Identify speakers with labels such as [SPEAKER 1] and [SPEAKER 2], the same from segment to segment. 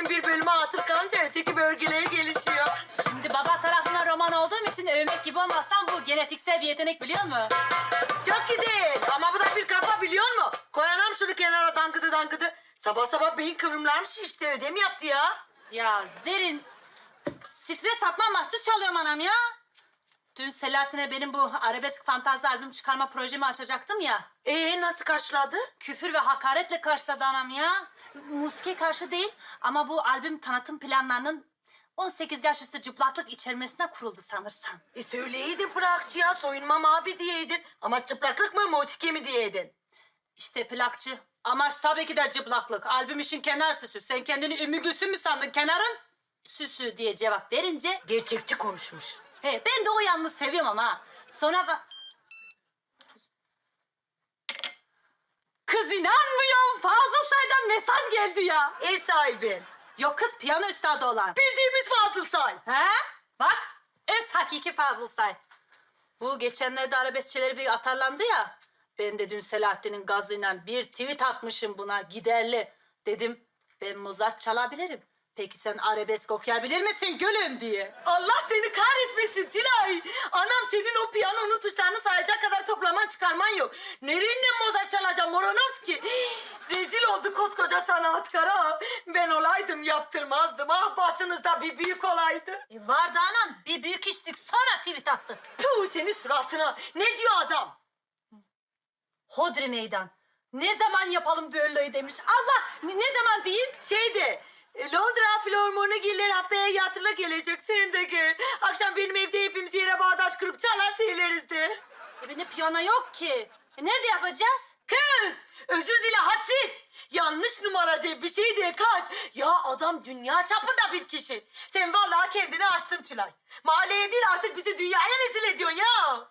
[SPEAKER 1] bir bölüme atıp kalınca öteki bölgeleri gelişiyor.
[SPEAKER 2] Şimdi baba tarafından roman olduğum için övmek gibi olmazsam bu genetiksel bir yetenek biliyor musun?
[SPEAKER 1] Çok güzel ama bu da bir kafa biliyor musun? Koyanam şunu kenara dangıdı dangıdı. Sabah sabah beyin kıvrımlarım şişti. Ödem yaptı ya.
[SPEAKER 2] Ya Zerrin, stres atma amaçlı çalıyorum anam ya. Dün Selahattin'e benim bu arabesk fantazi albüm çıkarma projemi açacaktım ya.
[SPEAKER 1] Nasıl karşıladı?
[SPEAKER 2] Küfür ve hakaretle karşıladı anam ya. Musike karşı değil ama bu albüm tanıtım planlarının 18 yaş üstü çıplaklık içermesine kuruldu sanırsam.
[SPEAKER 1] Söyleyeydin plakçıya soyunmam abi diyeydin. Ama çıplaklık mı musiki mi diyeydin?
[SPEAKER 2] İşte plakçı. Amaç tabii ki de çıplaklık. Albüm işin kenar süsü. Sen kendini Ümmü Gülsüm mü sandın? Kenarın süsü diye cevap verince...
[SPEAKER 1] Gerçekçi konuşmuş.
[SPEAKER 2] He, ben de o yanını seviyorum ama. Sonra... Kız inanmıyorum. Fazıl Say'dan mesaj geldi ya.
[SPEAKER 1] Ev sahibi.
[SPEAKER 2] Yok kız piyano üstadı olan.
[SPEAKER 1] Bildiğimiz Fazıl Say.
[SPEAKER 2] He? Bak öz hakiki Fazıl Say. Bu geçenlerde arabeskçileri bir atarlandı ya. Ben de dün Selahattin'in gazıyla bir tweet atmışım buna giderli. Dedim ben Mozart çalabilirim. Peki sen arabesk okuyabilir misin gülüm diye.
[SPEAKER 1] Allah seni kahretmesin Tilay. Anam senin o piyanonun tuşlarını sayacak kadar toplaman çıkarman yok. Nereye Mozart çalacağım Moronovski? Rezil oldu koskoca sanatkar ha. Ben olaydım yaptırmazdım. Ah başınızda bir büyük olaydı.
[SPEAKER 2] Vardı anam bir büyük içtik sonra tweet attı.
[SPEAKER 1] Puh senin suratına. Ne diyor adam?
[SPEAKER 2] Hodri meydan. Ne zaman yapalım düelloyu demiş. Allah ne zaman diyeyim?
[SPEAKER 1] Londra Filharmonigiller haftaya yatıla gelecek. Sen de gel. Akşam benim evde hepimiz yere bağdaş kurup çalar söyleriz de.
[SPEAKER 2] Benim piyano yok ki. Nerede yapacağız?
[SPEAKER 1] Kız! Özür dile hadsiz. Yanlış numara de bir şey de kaç. Ya adam dünya çapında bir kişi. Sen vallahi kendini açtın Tülay. Mahalleye değil artık bizi dünyaya rezil ediyorsun ya.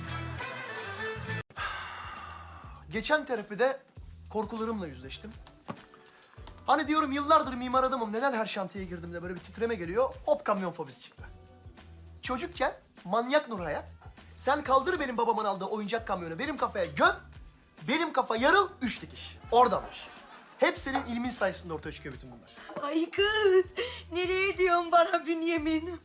[SPEAKER 3] Geçen terapide korkularımla yüzleştim. Hani diyorum yıllardır mimar adamım, neden her şantiyeye girdiğimde böyle bir titreme geliyor, hop kamyon fobisi çıktı. Çocukken manyak Nur Hayat, sen kaldır benim babamın aldığı oyuncak kamyonu benim kafaya göm, benim kafa yarıl, 3 dikiş. Oradanmış. Hep senin ilmin sayesinde ortaya çıkıyor bütün bunlar.
[SPEAKER 1] Ay kız, nereye diyorsun bana Bünyamin?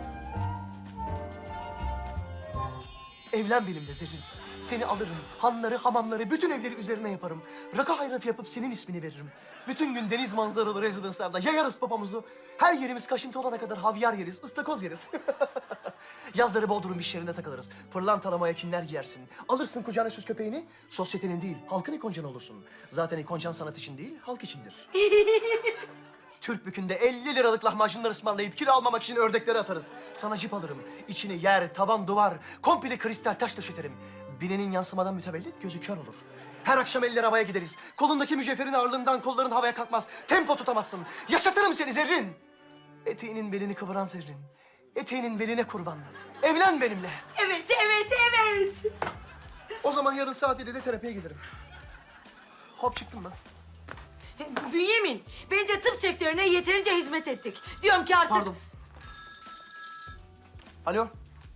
[SPEAKER 3] Evlen benimle Zerrin. Seni alırım, hanları, hamamları, bütün evleri üzerine yaparım. Rakı hayratı yapıp senin ismini veririm. Bütün gün deniz manzaralı rezidanslarda yayarız papamuzu. Her yerimiz kaşıntı olana kadar havyar yeriz, ıstakoz yeriz. Yazları Bodrum iş yerinde takılırız. Pırlantala mayakinler giyersin. Alırsın kucağına süs köpeğini, sosyetenin değil, halkın ikoncanı olursun. Zaten ikoncan sanat için değil, halk içindir. Türk bükünde 50 liralık lahmacunlar ısmarlayıp kilo almamak için ördekleri atarız. Sana cip alırım. İçini yer, tavan, duvar, komple kristal taş döşeterim. Binenin yansımadan mütevellit gözü kör olur. Her akşam eller havaya gideriz. Kolundaki mücevherin ağırlığından kolların havaya kalkmaz. Tempo tutamazsın. Yaşatırım seni Zerrin. Eteğinin belini kıvıran Zerrin. Eteğinin beline kurban. Evlen benimle.
[SPEAKER 1] Evet, evet, evet.
[SPEAKER 3] O zaman yarın saat 7'de terapiye giderim. Hop çıktım ben.
[SPEAKER 1] Bünyamin, bence tıp sektörüne yeterince hizmet ettik. Diyorum ki artık...
[SPEAKER 3] Pardon. Alo.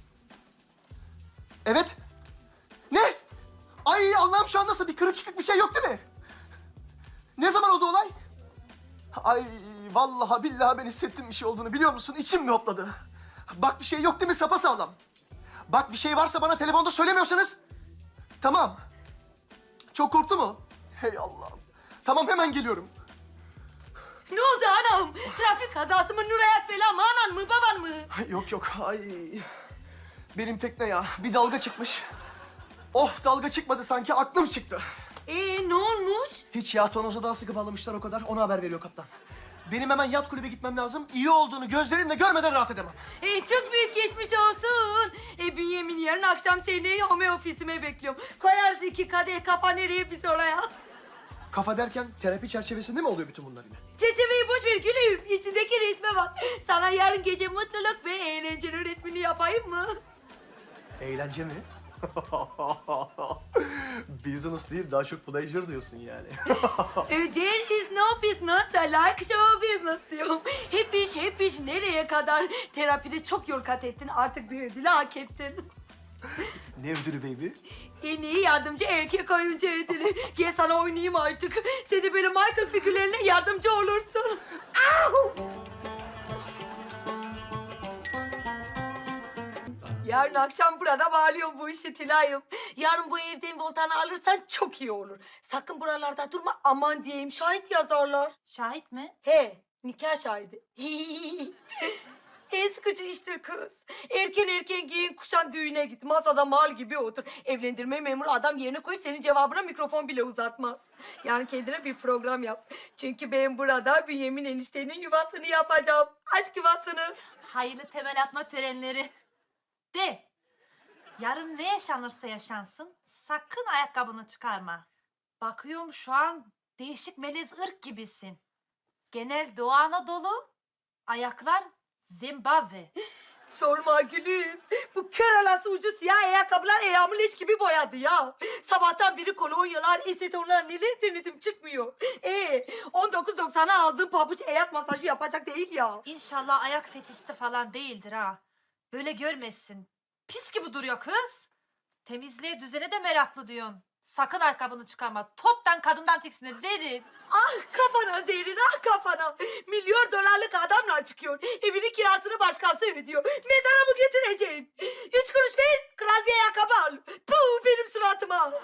[SPEAKER 3] Evet. Ne? Ay Allah'ım şu an nasıl bir kırık çıkık bir şey yok değil mi? Ne zaman oldu olay? Ay vallahi billahi ben hissettim bir şey olduğunu biliyor musun? İçim mi hopladı? Bak bir şey yok değil mi sapasağlam? Bak bir şey varsa bana telefonda söylemiyorsanız. Tamam. Çok korktu mu? Hey Allah'ım. Tamam hemen geliyorum.
[SPEAKER 1] Ne oldu anam? Trafik kazası mı, Nurhayat falan mı, anan mı, baban mı?
[SPEAKER 3] Yok yok ay. Benim tekne ya bir dalga çıkmış. Of dalga çıkmadı sanki aklım çıktı.
[SPEAKER 1] Ne olmuş?
[SPEAKER 3] Hiç ya tonoza daha sıkı bağlamışlar o kadar. Ona haber veriyor kaptan. Benim hemen yat kulübe gitmem lazım. İyi olduğunu gözlerimle görmeden rahat edemem.
[SPEAKER 1] Çok büyük geçmiş olsun. Bünyamin yarın akşam seni home ofisime bekliyorum. Koyarsın 2 kadeh kafa nereye pis oraya.
[SPEAKER 3] Kafa derken terapi çerçevesinde mi oluyor bütün bunlar yine?
[SPEAKER 1] Çerçeveyi boş ver gülüm. İçindeki resme bak. Sana yarın gece mutluluk ve eğlencenin resmini yapayım mı?
[SPEAKER 3] Eğlence mi? Business değil, daha çok pleasure diyorsun yani.
[SPEAKER 1] There is no business like show business diyorum. Hep iş nereye kadar? Terapide çok yol kat ettin. Artık bir ödülü hak ettin.
[SPEAKER 3] Ne ödülü baby?
[SPEAKER 1] En iyi yardımcı erkek oyuncu ödülü. Gel sana oynayayım artık. Sen de böyle Michael figürlerine yardımcı olursun. Yarın akşam burada bağlıyorum bu işi Tülay'ım. Yarın bu evden voltanı alırsan çok iyi olur. Sakın buralarda durma, aman diyeyim, şahit yazarlar.
[SPEAKER 2] Şahit mi?
[SPEAKER 1] He, nikah şahidi. En sıkıcı iştir kız. Erken giyin, kuşan, düğüne git. Masada mal gibi otur. Evlendirme memuru adam yerine koyup senin cevabına mikrofon bile uzatmaz. Yani kendine bir program yap. Çünkü ben burada Bünyamin eniştenin yuvasını yapacağım. Aşk yuvasını.
[SPEAKER 2] Hayırlı temel atma törenleri. De. Yarın ne yaşanırsa yaşansın sakın ayakkabını çıkarma. Bakıyorum şu an değişik melez ırk gibisin. Genel Doğu Anadolu, ayaklar Zimbabwe.
[SPEAKER 1] Sorma gülüm. Bu kör alası ucu siyah ayakkabılar ayağımı leş gibi boyadı ya. Sabahtan beri kolonyalar, esetonlar neler denedim çıkmıyor. 19.90'a aldığım pabuç ayak masajı yapacak değil ya.
[SPEAKER 2] İnşallah ayak fetişti falan değildir ha. Böyle görmezsin. Pis gibi duruyor kız. Temizliğe düzene de meraklı diyorsun. Sakın ayakkabını çıkarma. Toptan kadından tiksinir Zerrin.
[SPEAKER 1] Ah kafana Zerrin, ah kafana. $1 milyonluk adamla çıkıyor. Evinin kirasını başkası ödüyor. Mezara mı götüreceksin? 3 kuruş ver, kral bir ayakkabı al. Puh, benim suratıma.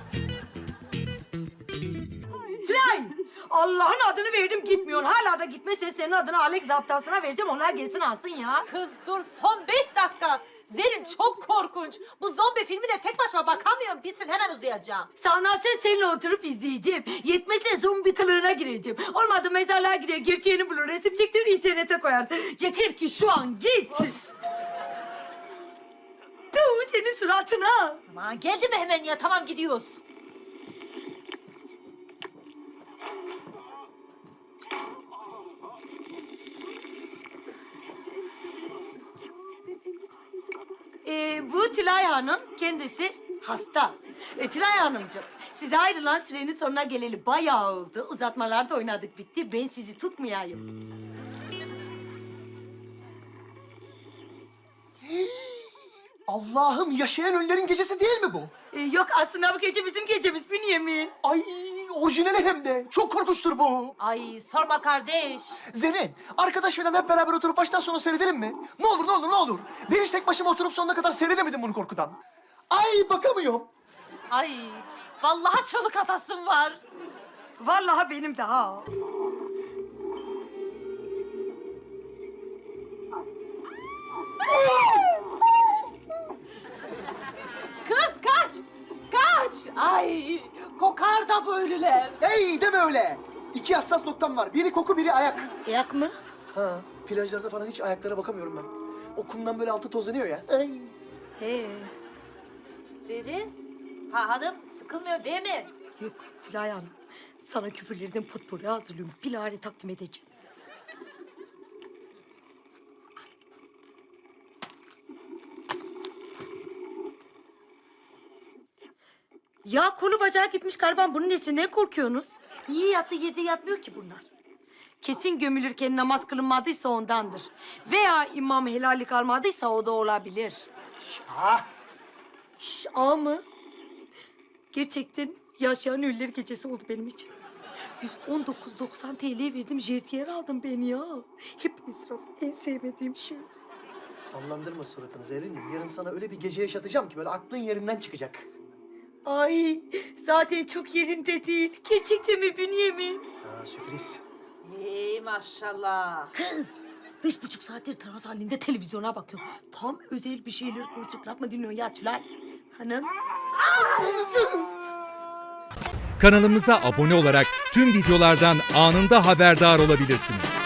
[SPEAKER 1] Tülay, Allah'ın adını verdim gitmiyorsun. Hala da gitmezsen senin adını Alex zaptasına vereceğim. Onlar gelsin alsın ya.
[SPEAKER 2] Kız dur son 5 dakika. Zerrin çok korkunç. Bu zombi filmine tek başıma bakamıyorum. Bitsin hemen uzayacağım.
[SPEAKER 1] Sanatsen seninle oturup izleyeceğim. Yetmezse zombi kılığına gireceğim. Olmadı mezarlığa gider, gerçeğini bulur, resim çektirir, internete koyarsın. Yeter ki şu an git. Tuh, senin suratına.
[SPEAKER 2] Aman geldi mi hemen ya? Tamam gidiyoruz.
[SPEAKER 1] Bu Tülay Hanım, kendisi hasta. Tülay Hanımcığım, size ayrılan sürenin sonuna geleli bayağı oldu. Uzatmalarda oynadık bitti. Ben sizi tutmayayım.
[SPEAKER 3] Allah'ım, yaşayan ölülerin gecesi değil mi bu?
[SPEAKER 1] Yok aslında bu gece bizim gecemiz Bünyamin.
[SPEAKER 3] Ay, orijinali hem de. Çok korkunçtur bu.
[SPEAKER 2] Ay sorma kardeş.
[SPEAKER 3] Zerrin, arkadaş falan hep beraber oturup baştan sona seyredelim mi? Ne olur, ne olur, ne olur. Ben hiç tek başıma oturup sonuna kadar seyredemedim bunu korkudan. Ay, bakamıyorum.
[SPEAKER 2] Ay vallahi çalık atasım var.
[SPEAKER 1] Vallahi benim de ha.
[SPEAKER 2] Kız kaç! Kaç! Ay kokar da bu ölüler.
[SPEAKER 3] Hey, deme öyle. 2 hassas noktam var. Biri koku, biri ayak.
[SPEAKER 1] Ayak mı?
[SPEAKER 3] Ha, plajlarda falan hiç ayaklara bakamıyorum ben. O kumdan böyle altı tozlanıyor ya. Ay.
[SPEAKER 1] He.
[SPEAKER 2] Zerrin, ha hanım sıkılmıyor değil mi?
[SPEAKER 1] Yok Tülay Hanım. Sana küfürlerden potpourri hazırlıyorum. Bilahare takdim edeceğim. Ya kolu bacağı gitmiş galiba. Bunun nesinden korkuyorsunuz? Niye yattığı yerde yatmıyor ki bunlar? Kesin gömülürken namaz kılınmadıysa ondandır. Veya imam helallik almadıysa o da olabilir.
[SPEAKER 3] Şah.
[SPEAKER 1] Şş, mı? Gerçekten yaşayan ölüler gecesi oldu benim için. 119.90 TL verdim, jertiyer aldım ben ya. Hep israf, en sevmediğim şey.
[SPEAKER 3] Sallandırma suratını Zerrin'im. Yarın sana öyle bir gece yaşatacağım ki böyle aklın yerinden çıkacak.
[SPEAKER 1] Ay, zaten çok yerinde değil. Gerçekten mi Bünyamin?
[SPEAKER 3] Ha, sürpriz.
[SPEAKER 2] Hey maşallah.
[SPEAKER 1] Kız, 5,5 saattir trans halinde televizyona bakıyorum. Tam özel bir şeyler konuştuk. Laf mı dinliyorsun ya Tülay Hanım?
[SPEAKER 4] Kanalımıza abone olarak tüm videolardan anında haberdar olabilirsiniz.